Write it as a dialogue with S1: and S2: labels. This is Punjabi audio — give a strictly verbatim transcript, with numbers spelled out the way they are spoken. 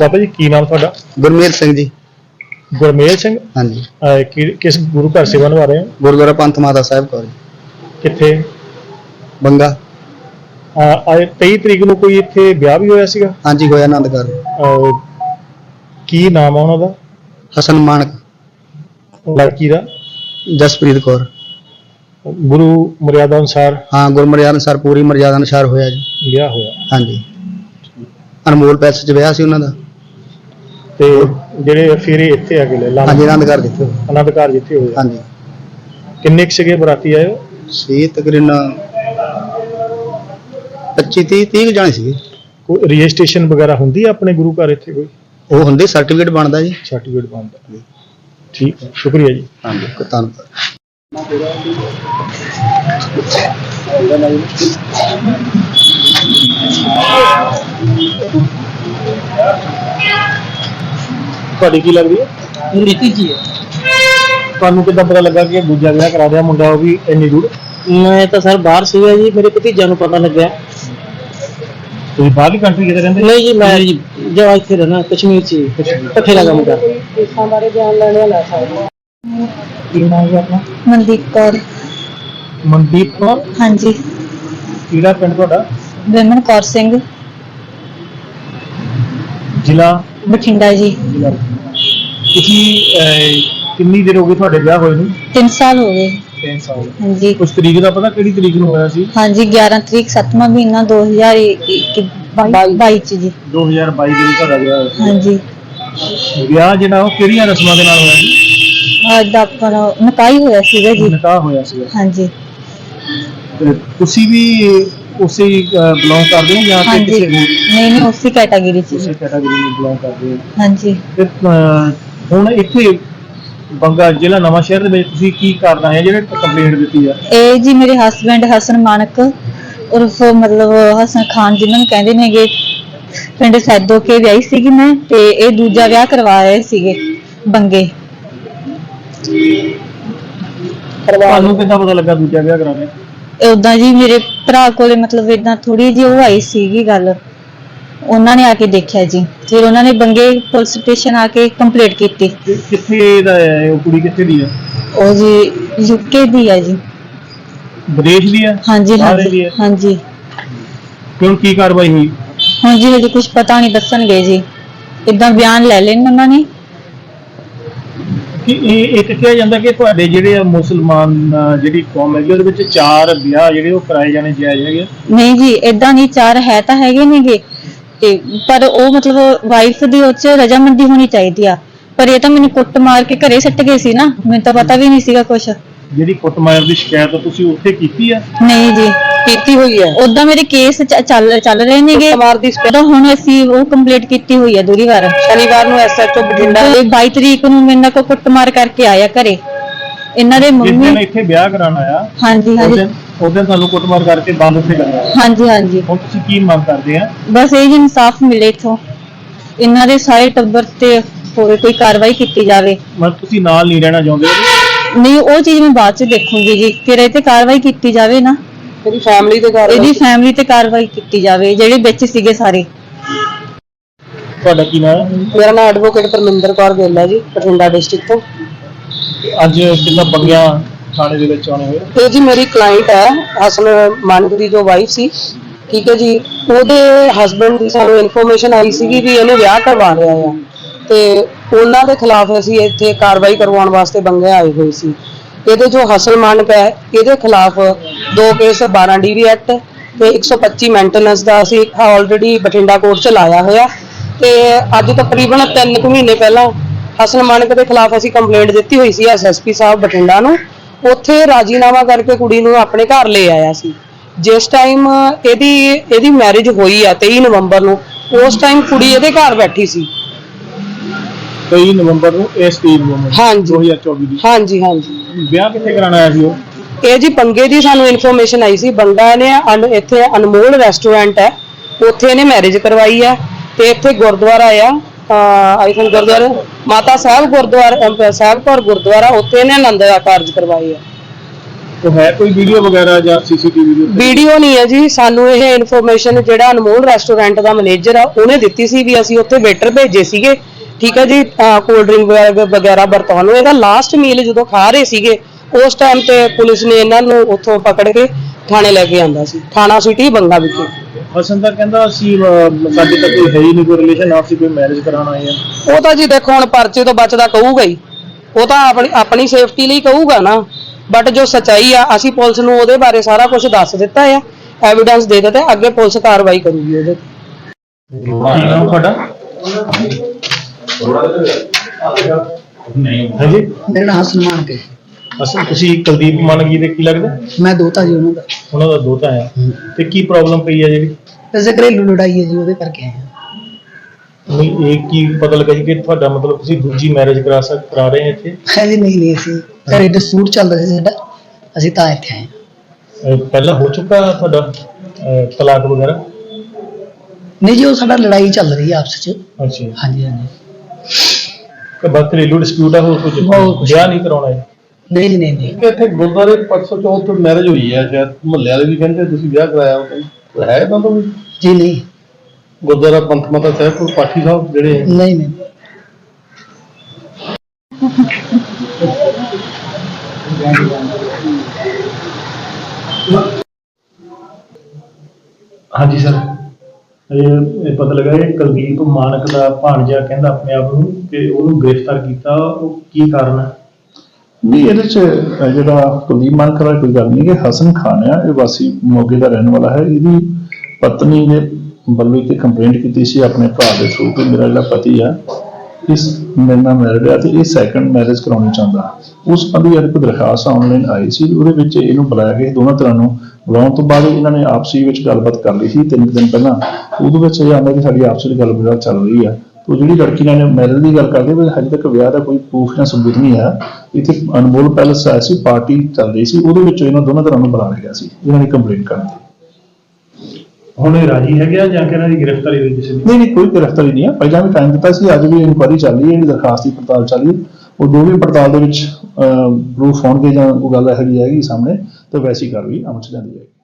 S1: बाबा जी की नाम थोड़ा?
S2: गुरमेल सिंह जी।
S1: गुरमेल सिंह?
S2: हाँ जी।
S1: अ, कि, किस गुरु घर सेवा निभा रहे हैं?
S2: गुरुद्वारा पंथ माता साहब कौर
S1: किथे?
S2: बंगा।
S1: अज तेई तरीक नूं कोई इत्थे ब्याह भी होया सीगा?
S2: हाँ जी होया आनंदगढ़।
S1: की नाम है उन्होंने?
S2: हसन मानक।
S1: लड़की का?
S2: जसप्रीत कौर।
S1: गुरु मर्यादा अनुसार?
S2: हाँ गुरु मर्यादा अनुसार पूरी मर्यादा अनुसार होया जी
S1: ब्याह होया।
S2: हाँ जी अनमोल पैसे च ब्याह सी उन्हां दा
S1: ते ਜਿਹੜੇ फेरे ਇੱਥੇ आ गए
S2: हाँ जी आनंदगढ़ जिथे
S1: आनंदगढ़ जिथे होया।
S2: हाँ जी
S1: किन्ने क सीगे बराती आए?
S2: सी तकरीबन पच्ची तीह तीह जाने सीगे।
S1: कोई रजिस्ट्रेशन वगैरह हुंदी है अपने गुरु घर इत्थे कोई?
S2: वो हुंदी सर्टिफिकेट बनदा जी।
S1: सर्टिफिकेट बनदा। ठीक है शुक्रिया जी।
S2: हाँ जी धन्यवाद।
S1: ਤੁਹਾਡੀ ਕੀ ਲੱਗਦੀ ਹੈ?
S3: ਰੀਤੀ ਜੀ ਹੈ।
S1: ਤੁਹਾਨੂੰ ਕਿੱਦਾਂ ਪਤਾ ਲੱਗਾ ਕਿ ਦੂਜਾ ਵਿਆਹ ਕਰਾ ਰਿਹਾ ਮੁੰਡਾ ਉਹ ਵੀ ਇੰਨੀ ਦੂਰ?
S3: ਮੈਂ ਤਾਂ ਸਰ ਬਾਹਰ ਸੀਗਾ ਜੀ, ਮੇਰੇ ਭਤੀਜਾ ਨੂੰ ਪਤਾ ਲੱਗਿਆ।
S1: ਤੁਸੀਂ ਬਾਹਰਲੀ ਕੰਟਰੀ ਕਿਤੇ ਰਹਿੰਦੇ?
S3: ਨਹੀਂ ਜੀ ਮੈਂ ਜੀ ਜੋ ਇੱਥੇ ਰਹਿਣਾ ਕਸ਼ਮੀਰ ਚ ਇਕੱਠੇ ਦਾ ਕੰਮ ਕਰਦਾ। ਦੇਸ਼ਾਂ ਬਾਰੇ ਜਾਣ ਲੈਣ ਵਾਲਾ ਸਾਡਾ।
S1: ਕੀ ਨਾਮ ਹੈ ਆਪਣਾ?
S4: ਮਨਦੀਪ ਕੌਰ।
S1: ਮਨਦੀਪ ਕੌਰ?
S4: ਹਾਂਜੀ।
S1: ਕਿਹੜਾ ਪਿੰਡ ਤੁਹਾਡਾ?
S4: ਵਿਮਨ ਕੌਰ ਸਿੰਘ।
S1: ਜ਼ਿਲ੍ਹਾ?
S4: ਬਠਿੰਡਾ ਜੀ।
S1: ਤੁਸੀਂ ਕਿੰਨੀ ਦੇਰ ਹੋ ਗਈ ਤੁਹਾਡੇ ਵਿਆਹ ਹੋਏ ਨੂੰ?
S4: ਤਿੰਨ ਸਾਲ ਹੋ ਗਏ।
S1: ਤਿੰਨ ਸਾਲ।
S4: ਹਾਂਜੀ।
S1: ਕੁਝ ਤਰੀਕ ਦਾ ਪਤਾ ਕਿਹੜੀ ਤਰੀਕ ਨੂੰ ਹੋਇਆ ਸੀ?
S4: ਹਾਂਜੀ ਗਿਆਰਾਂ ਤਰੀਕ ਸੱਤਵਾਂ ਮਹੀਨਾ ਦੋ ਹਜ਼ਾਰ ਬਾਈ ਚ ਜੀ।
S1: ਦੋ ਹਜ਼ਾਰ ਬਾਈ ਦੇ ਵਿੱਚ ਤੁਹਾਡਾ ਵਿਆਹ ਹੋਇਆ ਸੀ?
S4: ਹਾਂਜੀ।
S1: ਵਿਆਹ ਜਿਹੜਾ ਉਹ ਕਿਹੜੀਆਂ ਰਸਮਾਂ ਦੇ ਨਾਲ ਹੋਇਆ ਸੀ?
S4: ਅੱਜ ਆਪਣਾ ਨਿਕਾਹ ਹੋਇਆ ਸੀਗਾ ਜੀ।
S1: ਨਿਕਾਹ ਹੋਇਆ ਸੀਗਾ।
S4: ਹਾਂਜੀ।
S1: ਤੇ ਤੁਸੀਂ ਵੀ ਉਸੇ ਬਿਲੋਂਗ ਕਰਦੇ ਹੋ ਜਾਂ
S4: ਹਾਂਜੀ
S1: ਕਿਸੇ ਹੋਰ?
S4: ਨਹੀਂ ਨਹੀਂ ਉਸੇ ਕੈਟਾਗਰੀ ਚ
S1: ਉਸੇ
S4: ਜੀ।
S1: ਕੈਟਾਗਰੀ ਨੂੰ ਬਿਲੋਂਗ ਕਰਦੇ ਹੋ?
S4: ਹਾਂਜੀ।
S1: ਤੇ ਹੁਣ ਇੱਥੇ ਬੰਗਾ ਜ਼ਿਲ੍ਹਾ ਨਵਾਂ ਸ਼ਹਿਰ ਦੇ ਵਿੱਚ ਤੁਸੀਂ ਕੀ ਕਰਨਾ ਹੈ ਜਿਹੜੇ ਕੰਪਲੇਂਟ ਦਿੱਤੀ ਆ?
S4: ਇਹ ਜੀ ਮੇਰੇ ਹਸਬੈਂਡ ਹਸਨ ਮਾਨਕ ਉਰਫ ਮਤਲਬ ਹਸਨ ਖਾਨ ਜਿਨ੍ਹਾਂ ਨੂੰ ਕਹਿੰਦੇ ਨੇਗੇ, ਪਿੰਡ ਸੈਦੋ ਕੇ ਵਿਆਹੀ ਸੀਗੀ ਮੈਂ, ਤੇ ਇਹ ਦੂਜਾ ਵਿਆਹ ਕਰਵਾ ਰਹੇ ਸੀਗੇ ਬੰਗੇ।
S1: ਤੁਹਾਨੂੰ ਕਿੱਦਾਂ ਪਤਾ ਲੱਗਾ ਦੂਜਾ ਵਿਆਹ ਕਰਾ ਰਹੇ?
S4: ਉਦਾਂ ਜੀ ਮੇਰੇ ਭਰਾ ਕੋਲੇ ਮਤਲਬ ਇਦਾਂ ਥੋੜੀ ਜਿਹੀ ਉਹ ਆਈ ਸੀਗੀ ਗੱਲ, ਉਹਨਾਂ ਨੇ ਆ ਕੇ ਦੇਖਿਆ ਜੀ, ਫਿਰ ਉਹਨਾਂ ਨੇ ਬੰਗੇ ਪੁਲਿਸ ਸਟੇਸ਼ਨ ਆ ਕੇ ਕੰਪਲੇਂਟ ਕੀਤੀ।
S1: ਕਿੱਥੇ ਦਾ ਹੈ ਉਹ ਕੁੜੀ? ਕਿੱਥੇ ਦੀ ਹੈ
S4: ਉਹ ਜੀ ਯੂਕੇ ਦੀ ਹੈ ਜੀ।
S1: ਵਿਦੇਸ਼ ਦੀ ਹੈ?
S4: ਹਾਂਜੀ
S1: ਬਾਹਰ ਦੀ
S4: ਹਾਂਜੀ
S1: ਹੈ?
S4: ਹਾਂਜੀ।
S1: ਕਿਉਂ ਕੀ ਕਾਰਵਾਈ ਹੋਈ?
S4: ਹੁਣ ਜੀ ਹਜੇ ਕੁਝ ਪਤਾ ਨਹੀਂ ਦੱਸਣਗੇ ਜੀ, ਇਦਾਂ ਬਿਆਨ ਲੈ ਲੈਣ ਉਹਨਾਂ ਨੇ।
S1: ਕਿ ਇਹ ਇੱਕ ਕਿਹਾ ਜਾਂਦਾ ਕਿ ਤੁਹਾਡੇ ਜਿਹੜੇ ਆ ਮੁਸਲਮਾਨ ਜਿਹੜੀ ਕੌਮ ਹੈਗੀ ਉਹਦੇ ਵਿੱਚ ਚਾਰ ਵਿਆਹ ਜਿਹੜੇ ਉਹ ਕਰਾਏ ਜਾਣੇ ਜਾਇਜ਼ ਹੈਗੇ?
S4: ਨਹੀਂ ਜੀ ਇਦਾਂ ਨਹੀਂ, ਚਾਰ ਹੈ ਤਾਂ ਹੈਗੇ ਨੇਗੇ, ਤੇ ਪਰ ਉਹ ਮਤਲਬ ਵਾਈਫ ਦੀ ਉਹ 'ਚ ਰਜਾਮੰਦੀ ਹੋਣੀ ਚਾਹੀਦੀ ਆ, ਪਰ ਇਹ ਤਾਂ ਮੈਨੂੰ ਕੁੱਟ ਮਾਰ ਕੇ ਘਰੇ ਸੱਟ ਗਏ ਸੀ ਨਾ, ਮੈਨੂੰ ਤਾਂ ਪਤਾ ਵੀ ਨਹੀਂ ਸੀਗਾ ਕੁਛ।
S1: ਜਿਹੜੀ ਕੁੱਟਮਾਰ ਦੀ ਸ਼ਿਕਾਇਤ ਤੁਸੀਂ ਉੱਥੇ ਕੀਤੀ ਆ?
S4: ਨਹੀਂ ਜੀ
S3: ਕੀਤੀ ਹੋਈ ਹੈ।
S4: ਉਦਾਂ ਮੇਰੇ ਕੇਸ ਚੱਲ ਚੱਲ ਰਹੇ ਨੇਗੇ,
S3: ਕੁੱਟਮਾਰ ਦੀ
S4: ਤਾਂ ਹੁਣ ਅਸੀਂ ਉਹ ਕੰਪਲੀਟ ਕੀਤੀ ਹੋਈ ਆ ਦੂਰੀ ਵਾਰ।
S3: ਸ਼ਨੀਵਾਰ ਨੂੰ ਐਸਐਚਓ ਬਠਿੰਡਾ
S4: ਤੇ ਬਾਈ ਤਰੀਕ ਨੂੰ ਮੇਰੇ ਨਾਲ ਕੋ ਕੁੱਟਮਾਰ ਕਰਕੇ ਆਇਆ ਘਰੇ ਇਹਨਾਂ ਦੇ
S1: ਜਿਸ
S4: ਮੰਮੀ।
S1: ਦਿਨ ਇੱਥੇ ਵਿਆਹ ਕਰਾਉਣ ਆਇਆ
S4: ਹਾਂਜੀ
S1: ਉਸ
S4: ਹਾਂਜੀ
S1: ਦਿਨ ਉਸ ਦਿਨ ਤੁਹਾਨੂੰ ਕੁੱਟਮਾਰ ਕਰਕੇ ਬੰਦ ਉੱਥੇ ਕਰਾਇਆ?
S4: ਹਾਂਜੀ ਹਾਂਜੀ।
S1: ਹੁਣ ਤੁਸੀਂ ਕੀ ਮੰਗ ਕਰਦੇ ਆ?
S4: ਬਸ ਇਹ ਜੀ ਇਨਸਾਫ ਮਿਲੇ ਇਥੋਂ, ਇਹਨਾਂ ਦੇ ਸਾਰੇ ਟੱਬਰ ਤੇ ਹੋਰ ਕੋਈ ਕਾਰਵਾਈ ਕੀਤੀ ਜਾਵੇ।
S1: ਮਤਲਬ ਤੁਸੀਂ ਨਾਲ ਨਹੀਂ ਰਹਿਣਾ ਚਾਹੁੰਦੇ?
S4: ਨਹੀਂ ਉਹ ਚੀਜ਼ ਮੈਂ ਬਾਅਦ ਚ ਦੇਖੂੰਗੀ ਜੀ, ਫਿਰ ਇਹ ਤੇ ਕਾਰਵਾਈ ਕੀਤੀ ਜਾਵੇ ਨਾ,
S3: ਇਹਦੀ ਫੈਮਿਲੀ ਦੇ ਘਰ
S4: ਇਹਦੀ ਫੈਮਿਲੀ ਤੇ ਕਾਰਵਾਈ ਕੀਤੀ ਜਾਵੇ ਜਿਹੜੇ ਵਿੱਚ ਸੀਗੇ ਸਾਰੇ।
S1: ਤੁਹਾਡਾ ਕੀ ਨਾਮ ਹੈ?
S3: ਮੇਰਾ ਨਾਮ ਐਡਵੋਕੇਟ ਪਰਮਿੰਦਰ ਕੌਰ ਗਿੱਲ ਹੈ ਜੀ, ਬਠਿੰਡਾ ਡਿਸਟ੍ਰਿਕਟ ਤੋਂ।
S1: ਅੱਜ ਕਿੰਨਾ ਬੰਗਿਆ ਥਾਣੇ ਦੇ ਵਿੱਚ ਆਉਣੇ ਹੋਏ?
S3: ਇਹ ਜੀ ਮੇਰੀ ਕਲਾਇੰਟ ਹੈ ਹਸਨ ਮਾਨਕ ਦੀ ਜੋ ਵਾਈਫ ਸੀ, ਠੀਕ ਹੈ ਜੀ, ਉਹਦੇ ਹਸਬੰਡ ਦੀ ਸਾਨੂੰ ਇਨਫੋਰਮੇਸ਼ਨ ਆਈ ਸੀਗੀ ਵੀ ਇਹਨੇ ਵਿਆਹ ਕਰਵਾ ਲਿਆ ਆ, ਤੇ ਉਹਨਾਂ ਦੇ ਖਿਲਾਫ ਅਸੀਂ ਇੱਥੇ ਕਾਰਵਾਈ ਕਰਵਾਉਣ ਵਾਸਤੇ ਬੰਗੇ ਆਏ ਹੋਏ ਸੀ। ਇਹਦੇ ਜੋ ਹਸਨ ਮਾਨਕ ਹੈ ਇਹਦੇ ਖਿਲਾਫ ਦੋ ਕੇਸ ਬਾਰਾਂ ਡੀ ਵੀ ਐਕਟ ਤੇ ਇੱਕ ਸੌ ਪੱਚੀ ਮੈਂਟੇਨੈਂਸ ਦਾ ਅਸੀਂ ਆਲਰੇਡੀ ਬਠਿੰਡਾ ਕੋਰਟ ਚ ਲਾਇਆ ਹੋਇਆ, ਤੇ ਅੱਜ ਤਕਰੀਬਨ ਤਿੰਨ ਕੁ ਮਹੀਨੇ ਪਹਿਲਾਂ ਹਸਨ ਮਾਨਕ ਦੇ ਖਿਲਾਫ ਅਸੀਂ ਕੰਪਲੇਂਟ ਦਿੱਤੀ ਹੋਈ ਸੀ ਐਸ ਐਸ ਪੀ ਸਾਹਿਬ ਬਠਿੰਡਾ ਨੂੰ। ਉੱਥੇ ਰਾਜੀਨਾਮਾ ਕਰਕੇ ਕੁੜੀ ਨੂੰ ਆਪਣੇ ਘਰ ਲੈ ਆਇਆ ਸੀ। ਜਿਸ ਟਾਈਮ ਇਹਦੀ ਇਹਦੀ ਮੈਰਿਜ ਹੋਈ ਆ ਤੇਈ ਨਵੰਬਰ ਨੂੰ, ਉਸ ਟਾਈਮ ਕੁੜੀ ਇਹਦੇ ਘਰ ਬੈਠੀ ਸੀ।
S1: ਤੇਈ ਨਵੰਬਰ ਨੂੰ ਇਸ ਤੀਨ ਨੂੰ
S3: ਹਾਂਜੀ
S1: ਦੋ ਹਜ਼ਾਰ ਚੌਵੀ ਦੀ?
S3: ਹਾਂਜੀ ਹਾਂਜੀ।
S1: ਵਿਆਹ ਕਿੱਥੇ ਕਰਾਉਣਾ ਆਇਆ ਸੀ ਉਹ?
S3: ਇਹ ਜੀ ਬੰਗੇ ਦੀ ਸਾਨੂੰ ਇਨਫੋਰਮੇਸ਼ਨ ਆਈ ਸੀ, ਬੰਗਾ ਨੇ ਇੱਥੇ ਅਨਮੋਲ ਰੈਸਟੋਰੈਂਟ ਹੈ ਉੱਥੇ ਇਹਨੇ ਮੈਰਿਜ ਕਰਵਾਈ ਹੈ, ਤੇ ਇੱਥੇ ਗੁਰਦੁਆਰਾ ਆ ਆਈ ਥਿੰਕ ਗੁਰਦੁਆਰਾ ਮਾਤਾ ਸਾਹਿਬ ਗੁਰਦੁਆਰਾ ਸਾਹਿਬ ਕੌਰ ਗੁਰਦੁਆਰਾ, ਉੱਥੇ ਇਹਨੇ ਆਨੰਦ ਕਾਰਜ ਕਰਵਾਏ ਆ।
S1: ਉਹ ਹੈ ਕੋਈ ਵੀਡੀਓ ਵਗੈਰਾ ਜਾਂ ਸੀਸੀਟੀਵੀ ਵੀਡੀਓ?
S3: ਵੀਡੀਓ ਨਹੀਂ ਹੈ ਜੀ, ਸਾਨੂੰ ਇਹ ਇਨਫੋਰਮੇਸ਼ਨ ਜਿਹੜਾ ਅਨਮੋਲ ਰੈਸਟੋਰੈਂਟ ਦਾ ਮੈਨੇਜਰ ਆ ਉਹਨੇ ਦਿੱਤੀ ਸੀ ਵੀ ਅਸੀਂ ਉੱਥੇ ਵੇਟਰ ਭੇਜੇ ਸੀਗੇ, ਠੀਕ ਹੈ ਜੀ, ਕੋਲਡ ਡਰਿੰਕ ਵਗੈਰਾ ਵਰਤਾਉਣ ਨੂੰ। ਇਹਦਾ ਲਾਸਟ ਮੀਲ ਜਦੋਂ ਖਾ ਰਹੇ ਸੀਗੇ ਉਸ ਟਾਈਮ ਤੇ ਪੁਲਿਸ ਨੇ ਇਹਨਾਂ ਨੂੰ ਉੱਥੋਂ ਪਕੜ ਕੇ ਥਾਣੇ ਲੈ ਕੇ ਆਂਦਾ ਸੀ, ਥਾਣਾ ਸਿਟੀ ਬੰਗਾ ਵਿਖੇ।
S1: ਹਸਨ ਤਾਂ ਕਹਿੰਦਾ ਅਸੀਂ ਅਹ, ਸਾਡੇ ਤਾਂ ਕੋਈ ਹੈ ਹੀ ਨਹੀਂ ਕੋਈ ਰਿਲੇਸ਼ਨ, ਆਪਸੀ ਕੋਈ ਮੈਰਿਜ ਕਰਾਉਣ ਆਏ ਆ।
S3: ਉਹ ਤਾਂ ਜੀ ਦੇਖੋ ਹੁਣ ਪਰਚੇ ਤੋਂ ਬਚਦਾ ਕਹੂਗਾ ਹੀ, ਉਹ ਤਾਂ ਆਪਣੀ ਆਪਣੀ ਸੇਫਟੀ ਲਈ ਕਹੂਗਾ ਨਾ, ਬਟ ਜੋ ਸਚਾਈ ਆ ਅਸੀਂ ਪੁਲਿਸ ਨੂੰ ਉਹਦੇ ਬਾਰੇ ਸਾਰਾ ਕੁਝ ਦੱਸ ਦਿੱਤਾ ਆ, ਐਵੀਡੈਂਸ ਦੇ ਦਿੱਤਾ, ਅੱਗੇ ਪੁਲਿਸ ਕਾਰਵਾਈ ਕਰੂਗੀ ਉਹਦੇ ਤੇ।
S1: ਕੀ ਨਾਮ ਤੁਹਾਡਾ? ਹਾਂਜੀ,
S5: ਮੇਰਾ ਨਾਮ ਹਸਨ ਮਾਨਕ ਹੈ।
S1: ਅਸਲ ਤੁਸੀਂ ਕੁਲਦੀਪ ਮਾਨਕੀ ਦੇ ਕੀ ਲੱਗਦਾ?
S5: ਮੈਂ ਦੋਤਾ ਜੀ ਉਹਨਾਂ ਦਾ।
S1: ਉਹਨਾਂ ਦਾ ਦੋਤਾ ਆ। ਤੇ ਕੀ ਪ੍ਰੋਬਲਮ ਪਈ ਆ ਜਿਹੜੀ?
S5: ਵੈਸੇ ਘਰੇਲੂ ਲੜਾਈ ਹੈ ਜੀ, ਉਹਦੇ ਕਰਕੇ ਆਏ ਹਾਂ।
S1: ਨਹੀਂ, ਇਹ ਕੀ ਪਤਾ ਲੱਗਾ ਜੀ ਕਿ ਤੁਹਾਡਾ ਮਤਲਬ ਤੁਸੀਂ ਦੂਜੀ ਮੈਰਿਜ ਕਰਾ ਸਕ ਕਰਾ ਰਹੇ ਇੱਥੇ?
S5: ਹੈ ਜੀ, ਨਹੀਂ ਨਹੀਂ ਅਸੀਂ ਘਰੇ ਡਿਸਪਿਊਟ ਚੱਲ ਰਿਹਾ ਸੀ ਸਾਡਾ, ਅਸੀਂ ਤਾਂ ਇੱਥੇ ਆਏ ਹਾਂ।
S1: ਅਹ, ਪਹਿਲਾਂ ਹੋ ਚੁੱਕਾ ਤੁਹਾਡਾ ਅਹ, ਤਲਾਕ ਵਗੈਰਾ?
S5: ਨਹੀਂ ਜੀ, ਉਹ ਸਾਡਾ ਲੜਾਈ ਚੱਲ ਰਹੀ ਹੈ ਆਪਸ ਚ।
S1: ਅੱਛਾ,
S5: ਹਾਂਜੀ ਹਾਂਜੀ।
S1: ਕਿ ਬਸ ਘਰੇਲੂ ਡਿਸਪਿਊਟ ਆ, ਹੋਰ ਕੁਝ
S5: ਹੋਰ ਕੁਛ
S1: ਵਿਆਹ ਨਹੀਂ ਕਰਾਉਣਾ ਹੈ?
S5: ਨਹੀਂ ਜੀ, ਨਹੀਂ ਨਹੀਂ।
S6: ਇੱਥੇ ਗੁਰਦੁਆਰੇ ਪਰਸੋਂ ਚੌਥ ਮੈਰਿਜ ਹੋਈ ਹੈ, ਸ਼ਾਇਦ ਮੁਹੱਲੇ ਵਾਲੇ ਵੀ ਕਹਿੰਦੇ ਤੁਸੀਂ ਵਿਆਹ ਕਰਾਇਆ ਉਹ ਹੈ ਤਾਂ ਵੀ
S5: ਜੀ ਨਹੀਂ
S6: ਗੁਰਦੁਆਰਾ ਪੰਥ ਮਾਤਾ ਸਾਹਿਬ ਕੋਲ ਪਾਠੀ ਸਾਹਿਬ ਜਿਹੜੇ
S5: ਨਹੀਂ ਨਹੀਂ।
S1: ਹਾਂਜੀ ਸਰ, ਇਹ ਇਹ ਪਤਾ ਲੱਗਾ ਇਹ ਕੁਲਦੀਪ ਮਾਨਕ ਦਾ ਭਾਣਜਾ ਕਹਿੰਦਾ ਆਪਣੇ ਆਪ ਨੂੰ ਕਿ ਉਹਨੂੰ ਗ੍ਰਿਫਤਾਰ ਕੀਤਾ, ਉਹ ਕੀ ਕਾਰਨ ਹੈ?
S7: ਨਹੀਂ, ਇਹਦੇ ਚ ਅਹ ਜਿਹੜਾ ਕੁਲਦੀਪ ਮਾਨਕ ਦਾ ਕੋਈ ਗੱਲ ਨਹੀਂ ਕਿ ਹਸਨ ਖਾਨ ਆ, ਇਹ ਵਾਸੀ ਮੋਗੇ ਦਾ ਰਹਿਣ ਵਾਲਾ ਹੈ। ਇਹਦੀ ਪਤਨੀ ਨੇ ਵੱਲੋਂ ਤੇ ਕੰਪਲੇਂਟ ਕੀਤੀ ਸੀ ਆਪਣੇ ਭਰਾ ਦੇ ਥਰੂ ਕਿ ਮੇਰਾ ਜਿਹੜਾ ਪਤੀ ਆ ਇਸ ਮੇਰੇ ਨਾਲ ਮੈਰਿਡ ਆ ਤੇ ਇਹ ਸੈਕੰਡ ਮੈਰਿਜ ਕਰਾਉਣੀ ਚਾਹੁੰਦਾ। ਉਸ ਸੰਬੰਧੀ ਇੱਕ ਦਰਖਾਸਤ ਆਨਲਾਈਨ ਆਈ ਸੀ, ਉਹਦੇ ਵਿੱਚ ਇਹਨੂੰ ਬੁਲਾਇਆ ਗਿਆ। ਦੋਨਾਂ ਤਰ੍ਹਾਂ ਨੂੰ ਬੁਲਾਉਣ ਤੋਂ ਬਾਅਦ ਇਹਨਾਂ ਨੇ ਆਪਸੀ ਵਿੱਚ ਗੱਲਬਾਤ ਕਰ ਲਈ ਸੀ ਤਿੰਨ ਦਿਨ ਪਹਿਲਾਂ। ਉਹਦੇ ਵਿੱਚ ਇਹ ਆਉਂਦਾ ਕਿ ਸਾਡੀ ਆਪਸੀ ਗੱਲਬਾਤ ਚੱਲ ਰਹੀ ਆ। तो ਜਿਹੜੀ ਲੜਕੀ ਨਾਲ ਮੈਰਿਜ ਦੀ ਗੱਲ ਕਰਦੇ ਪਰ ਹਜੇ ਤੱਕ ਵਿਆਹ ਦਾ ਕੋਈ ਪ੍ਰੂਫ ਜਾਂ ਸਬੂਤ ਨਹੀਂ ਹੈ। ਇੱਥੇ ਅਨਮੋਲ ਪੈਲਸ ਆਇਆ ਸੀ, ਪਾਰਟੀ ਚੱਲ ਰਹੀ ਸੀ, ਉਹਦੇ ਵਿੱਚ ਇਹਨਾਂ ਦੋਨਾਂ ਤਰ੍ਹਾਂ ਨੂੰ ਬੁਲਾ ਲਿਆ ਸੀ ਇਹਨਾਂ ਨੇ ਕੰਪਲੇਂਟ ਕਰਨ ਦੀ।
S1: ਹੁਣ ਇਹ ਰਾਜੀ ਹੈਗਾ ਜਾਂ ਕਿ ਇਹਨਾਂ ਦੀ ਗ੍ਰਿਫਤਾਰੀ ਹੋਈ ਕਿਸੇ ਦੀ?
S7: ਨਹੀਂ ਨਹੀਂ, ਕੋਈ ਗ੍ਰਿਫਤਾਰੀ ਨਹੀਂ ਹੈ। ਪਹਿਲਾਂ ਵੀ ਟਾਈਮ ਦਿੱਤਾ ਸੀ, ਅੱਜ ਵੀ ਇਨਕੁਆਇਰੀ ਚੱਲ ਰਹੀ ਹੈ, ਇਹਦੀ ਦਰਖਾਸਤ ਦੀ ਪੜਤਾਲ ਚੱਲ ਰਹੀ ਹੈ। ਉਹ ਜੋ ਵੀ ਪੜਤਾਲ ਦੇ ਵਿੱਚ ਪ੍ਰੂਫ ਹੋਣਗੇ ਜਾਂ ਉਹ ਗੱਲ ਇਹੋ ਜਿਹੀ ਆਏਗੀ ਸਾਹਮਣੇ ਤਾਂ ਵੈਸੀ ਕਾਰਵਾਈ ਅਮਲ ਚ ਲਿਆਂਦੀ ਜਾਏਗੀ।